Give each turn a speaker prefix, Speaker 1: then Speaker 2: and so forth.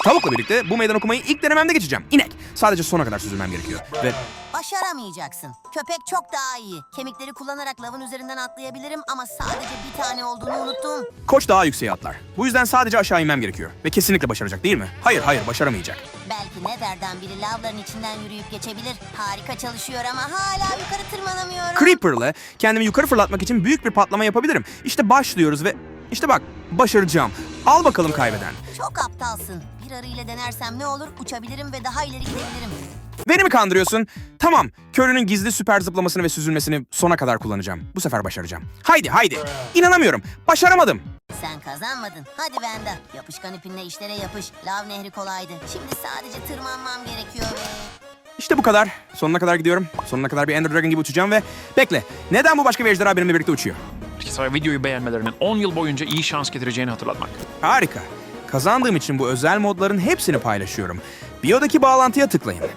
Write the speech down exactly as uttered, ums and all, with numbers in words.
Speaker 1: Tavukla birlikte bu meydan okumayı ilk denememde geçeceğim. İnek. Sadece sona kadar süzülmem gerekiyor. Ve
Speaker 2: Başaramayacaksın. Köpek çok daha iyi. Kemikleri kullanarak lavın üzerinden atlayabilirim ama sadece bir tane olduğunu unuttum.
Speaker 1: koç daha yükseğe atlar. Bu yüzden sadece aşağı inmem gerekiyor. Ve kesinlikle başaracak değil mi? Hayır hayır başaramayacak.
Speaker 2: Belki Nether'dan biri lavların içinden yürüyüp geçebilir. Harika çalışıyor ama hala yukarı tırmanamıyorum.
Speaker 1: Creeper'la kendimi yukarı fırlatmak için büyük bir patlama yapabilirim. İşte başlıyoruz ve işte bak başaracağım. Al bakalım kaybeden.
Speaker 2: Çok aptalsın. Bir arı ile denersem ne olur? Uçabilirim ve daha ileri gidebilirim.
Speaker 1: Beni mi kandırıyorsun? Tamam, Curry'nin gizli süper zıplamasını ve süzülmesini sona kadar kullanacağım. Bu sefer başaracağım. Haydi haydi. İnanamıyorum. Başaramadım.
Speaker 2: Sen kazanmadın. Hadi Venda. Yapışkan ipinle işlere yapış. Lav nehri kolaydı. Şimdi sadece tırmanmam gerekiyor ve...
Speaker 1: İşte bu kadar. Sonuna kadar gidiyorum. Sonuna kadar bir Ender Dragon gibi uçacağım ve... Bekle. Neden bu başka bir ejderha benimle birlikte uçuyor?
Speaker 3: Sana videoyu beğenmelerinin on yıl boyunca iyi şans getireceğini hatırlatmak.
Speaker 1: Harika. Kazandığım için bu özel modların hepsini paylaşıyorum. Biyodaki bağlantıya tıklayın.